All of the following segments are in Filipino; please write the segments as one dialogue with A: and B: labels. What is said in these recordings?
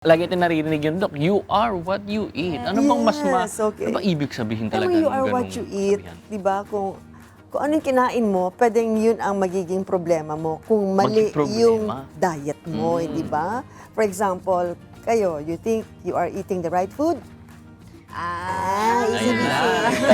A: Lagi natin naririnig yun, Dok, you are what you eat. Ano bang mas
B: okay.
A: ano bang ibig sabihin
B: Alam
A: talaga
B: mo, you
A: ng
B: are what
A: ganung
B: you eat,
A: kasabihan?
B: di ba? Kung ano yung kinain mo, pwedeng yun ang magiging problema mo. Kung mali
A: Maging problema?
B: yung diet mo, di ba? For example, kayo, you think you are eating the right food?
A: Ayun na.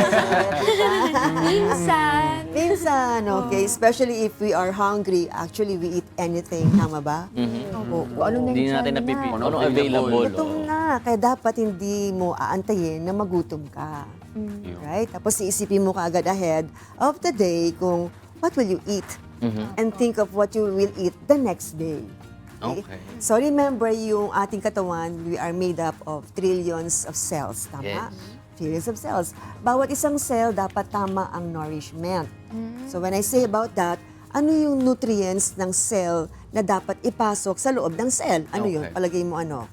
C: Minsan.
B: Minsan, okay? Especially if we are hungry, actually we eat anything, tama ba?
C: Kung ano
A: Hindi
C: nandiyan
A: natin
C: na.
A: napipili.
D: Ano
A: Ano
D: available.
A: available?
B: Gutom na. Kaya dapat hindi mo aantayin na magutom ka.
A: Yun.
B: Right? Tapos iisipin mo kaagad ahead of the day kung what will you eat? And think of what you will eat the next day.
A: Okay.
B: So remember, yung ating katawan, we are made up of trillions of cells. Tama?
A: Yes.
B: Trillions of cells. Bawat isang cell dapat tama ang nourishment. So when I say about that, ano yung nutrients ng cell na dapat ipasok sa loob ng cell? Ano yun?
A: Okay.
B: Palagay mo ano?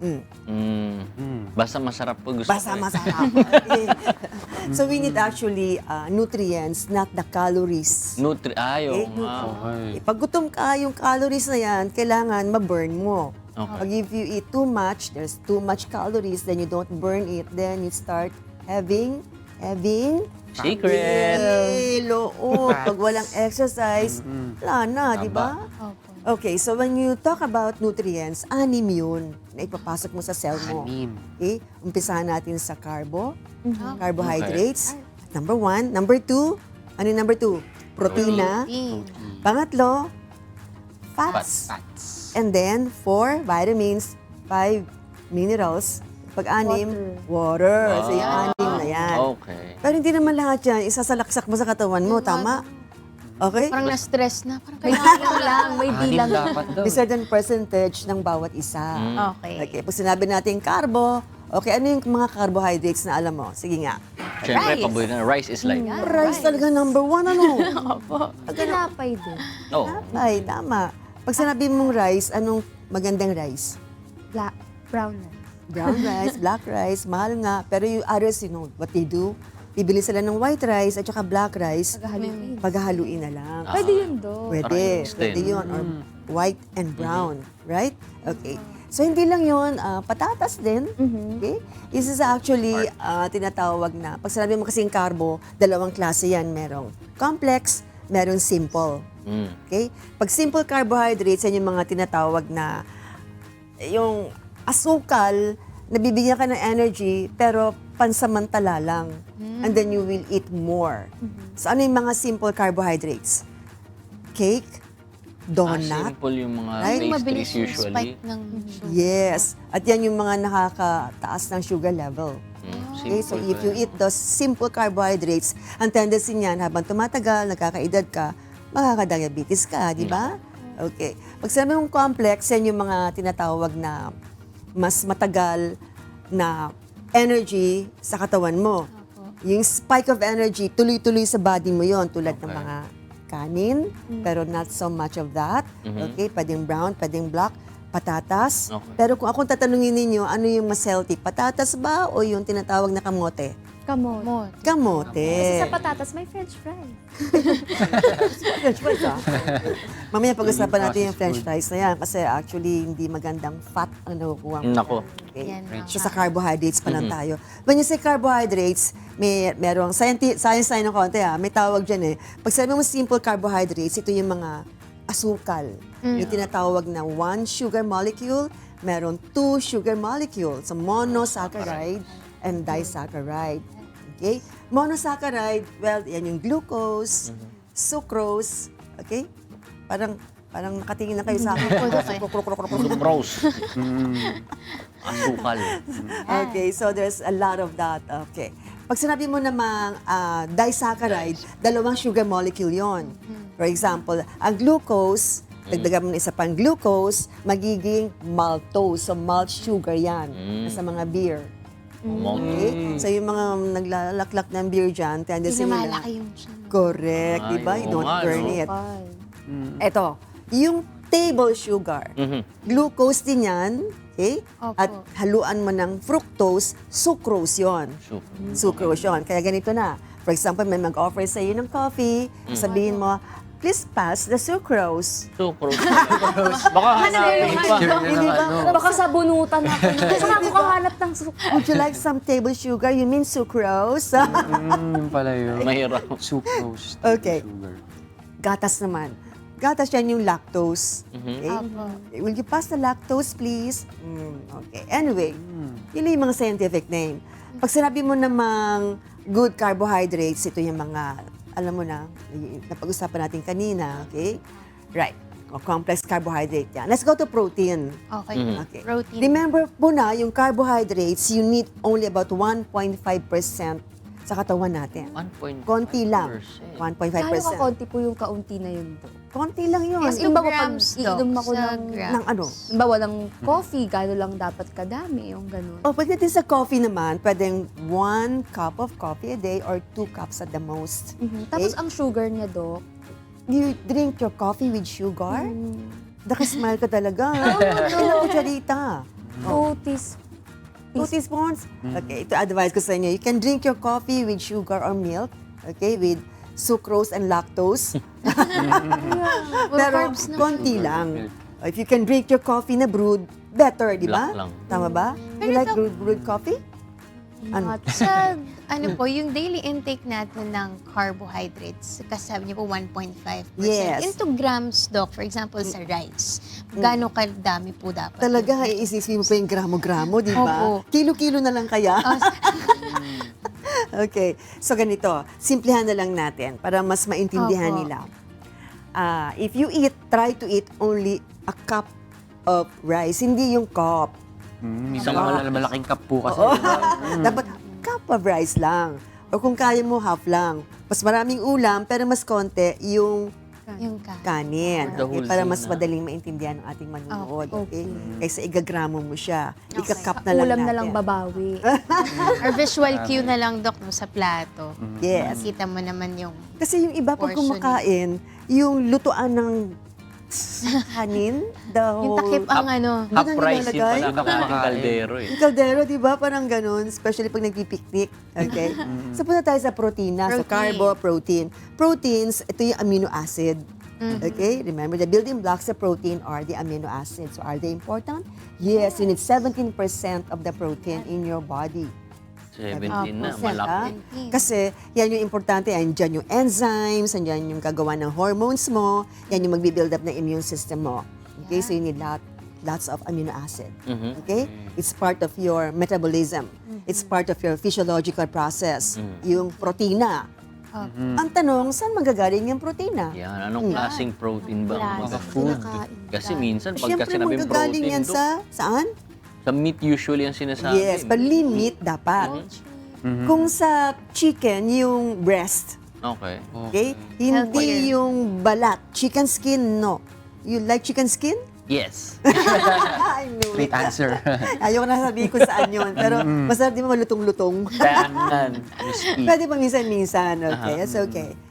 A: Basta masarap po gusto
B: Basta
A: ko eh.
B: masarap. So we need actually nutrients, not the calories.
A: Ayaw
B: Okay.
A: nga.
B: Pag gutom ka, yung calories na yan, kailangan ma-burn mo.
A: Okay.
B: Pag if you eat too much, there's too much calories, then you don't burn it, then you start having
A: Secret!
B: loob. Pag walang exercise, wala na, di ba?
C: Opo.
B: Okay, so when you talk about nutrients, anim yun na ipapasok mo sa cell mo. Okay? Umpisahan natin sa carbohydrates. Number 1. Number 2, ano yung number 2? Protina. Pangatlo, fats. And then, 4, vitamins. 5, minerals. Pag-anim, water. So, yung anim na yan.
A: Okay.
B: Pero hindi naman lahat yan, isasalaksak mo sa katawan mo, tama? Okay?
C: Parang na-stress na. Parang kailangan lang. May bilang.
B: May certain percentage ng bawat isa.
C: Okay.
B: Okay, pag sinabi natin carbo, okay, ano yung mga carbohydrates na alam mo? Sige nga.
A: Siyempre,
C: Rice.
A: paborito na rice is like,
B: Rice talaga number 1, ano?
C: Opo. Tinapay din.
A: oh,
B: Ay, tama. Pag sinabi mong rice, anong magandang rice?
C: Black. Brown na.
B: Brown rice, black rice, mahal nga. Pero yung others, you know, what they do, bibili sila ng white rice at saka black rice,
C: Paghahaluin.
B: paghahaluin na lang.
C: Pwede yun do.
B: Pwede,
A: Rice
B: pwede
A: din.
B: yun. Or white and brown, right? Okay. So, hindi lang yun, patatas din. Okay? This is actually tinatawag na, pag sinabi mo kasing carbo, dalawang klase yan. Merong complex, merong simple. Okay? Pag simple carbohydrates, yan yung mga tinatawag na, yung asukal, nabibigyan ka ng energy, pero pansamantala lang. And then you will eat more. So, ano yung mga simple carbohydrates? Cake, donut,
A: simple yung mga
B: Right?
A: pastries
C: Mabilis yung
A: usually.
C: spike ng sugar.
B: yes. At yan yung mga nakakataas ng sugar level. Okay, so
A: Simple
B: if you eat those simple carbohydrates, ang tendency niyan, habang tumatagal, nagkakaedad ka, makakadiabetes ka, di ba? Okay. Pag sinabi mong complex, yan yung mga tinatawag na mas matagal na energy sa katawan mo. Yung spike of energy, tuloy-tuloy sa body mo yon, tulad ng mga kanin, pero not so much of that. Okay, pwedeng brown, pwedeng black, patatas.
A: Okay.
B: Pero kung akong tatanungin ninyo, ano yung mas healthy? Patatas ba o yung tinatawag na kamote?
C: Kamot.
B: Kamote.
E: Kasi sa patatas, may french fries.
B: French fries, ah. Mamaya pag-usapan natin yung french fries na yan kasi actually hindi magandang fat ang nakukuha mo.
A: Nako.
B: Okay.
C: Yan na.
B: So sa carbohydrates pa lang tayo. When you say carbohydrates, merong science tayo ng konti may tawag dyan eh. Pag sabi mo simple carbohydrates, ito yung mga asukal. Yung tinatawag na 1 sugar molecule, meron 2 sugar molecules. So monosaccharide and disaccharide. Okay? Monosaccharide, well, yan yung glucose, sucrose, okay? Parang nakatingin na kayo sa akin.
A: Rose. Asukal.
B: Okay, so there's a lot of that. Okay. Pag sinabi mo namang disaccharide, dalawang sugar molecule yon. For example, ang glucose, dagdagan mo na isa pang glucose, magiging maltose. So malt sugar yan sa mga beer. Okay? So yung mga naglalaklak ng beer dyan, tendency nila.
C: Pinamalaki yung siya.
B: Correct,
A: Ay,
B: di ba? You
A: oo
B: don't
A: nga,
B: burn
A: no?
B: it. Ito, yung table sugar, glucose din yan, okay?
C: Opo.
B: At haluan mo ng fructose, sucrose yon. Sucrose yon. Kaya ganito na. For example, may mag-offer sa iyo ng coffee, sabihin mo, please pass the sucrose.
A: Sucrose. Baka hanapin pa.
B: Hindi ba?
E: Baka sa bunutan ako. Saan ako kahanap ng
B: Would you like some table sugar? You mean sucrose?
D: Yun pala yun.
A: Mahirap.
D: Sucrose.
B: Okay.
D: Sugar.
B: Gatas naman. Gatas yan yung lactose. Okay?
C: Apo.
B: Will you pass the lactose, please? Okay. Anyway, yun yung mga scientific name. Pag sinabi mo namang good carbohydrates, ito yung mga, alam mo na, napag-usapan natin kanina, okay? Right. O, complex carbohydrate yan. Let's go to protein.
C: Okay.
B: Okay.
C: Protein.
B: Remember po na, yung carbohydrates, you need only about 1.5% sa katawan natin.
A: 1.5%.
B: Konti lang.
E: Kano
B: 1.5%.
E: ka konti po yung kaunti na yun po?
B: Konti lang yun.
C: Yes,
E: Yung ba pag
C: grams, Doc,
E: iinom ako
C: sa
E: ng-
C: grams.
B: Ng ano?
E: Halimbawa ng coffee, gano'n lang dapat kadami, yung gano'n.
B: O, pagdating sa coffee naman, pwedeng 1 cup of coffee a day or 2 cups at the most.
E: Tapos ang sugar niya, Dok,
B: You drink your coffee with sugar? Nakasmile ka talaga.
E: Oh,
B: Ilang kutsarita?
E: 2 teaspoons.
B: 2 teaspoons? Okay, ito advice ko sa inyo. You can drink your coffee with sugar or milk, okay, with sucrose and lactose. Pero
C: carbs na
B: konti lang. If you can drink your coffee na brewed, better, di ba?
A: Black lang.
B: Tama ba? You
C: Pero
B: like
C: ito-
B: brewed coffee? Ano?
C: Sa, ano po, yung daily intake natin ng carbohydrates, kasi sabi niyo po 1.5%.
B: Yes.
C: Into grams, Doc, for example, sa rice, gano'ng kadami po dapat?
B: Talaga, iisipin mo pa yung gramo-gramo, di ba?
C: Opo.
B: Kilo-kilo na lang kaya. Okay, so ganito, simplihan na lang natin para mas maintindihan
C: Opo.
B: nila. If you eat, try to eat only a cup of rice, hindi yung cup.
D: Isang malaking cup po kasi.
B: Dapat cup of rice lang. O kung kaya mo, half lang. Mas maraming ulam, pero mas konti yung
C: Yung ka.
B: kanin.
A: The
B: Okay,
A: whole
B: para
A: thing
B: mas
A: na.
B: madaling maintindihan ng ating manunood.
E: Okay.
B: Okay? Kaysa igagramo mo siya.
C: Okay.
B: Ika-cup na lang
E: Ulam
B: natin.
E: na lang babawi.
C: Or visual cue na lang, Doc, no, sa plato.
B: Yes.
C: Kita mo naman yung...
B: Kasi yung iba pag
C: Portion.
B: kumakain, yung lutuan ng kanin, the
C: Yung
B: whole...
C: takip ang ano.
A: Half
B: Doon ang
A: price yun
B: nilalagay?
A: pala. Kumakain kaldero eh.
B: Yung kaldero, di ba? Parang ganun. Especially pag nagpipiknik. Okay? So, punta tayo sa protina. So,
C: Protein.
B: carbo, protein. Proteins, ito yung amino acid. Okay? Remember, the building blocks of protein are the amino acids. So, are they important? Yes, you need 17% of the protein in your body.
A: 17 na,
B: Percent,
A: malaki.
B: Kasi yan yung importante, andyan yung enzymes, andyan yung gagawa ng hormones mo, yan yung magbi-build up ng immune system mo. Okay, so you need lots of amino acid. Okay? It's part of your metabolism. It's part of your physiological process. Yung protina. Ang tanong, saan manggagaling yung protina?
A: Yan, anong klaseng protein ba ang
C: Klase.
A: mga food?
E: Kinakain.
A: Kasi minsan, pagka
B: Siyempre,
A: sinabing
B: manggagaling
A: protein,
B: yan
A: Dok,
B: saan?
A: sa meat usually ang sinasabi.
B: Yes, but lean meat dapat. Kung sa chicken, yung breast.
A: Okay.
B: Okay? Hindi
C: Healthier.
B: yung balat. Chicken skin, no. You like chicken skin?
A: Yes.
B: I knew it.
D: Great answer.
B: Ayoko na sabihin kung saan yun. Pero masarap di ba malutong-lutong?
A: Tanan. Crispy.
B: Pwede pa minsan-minsan. Okay, that's okay.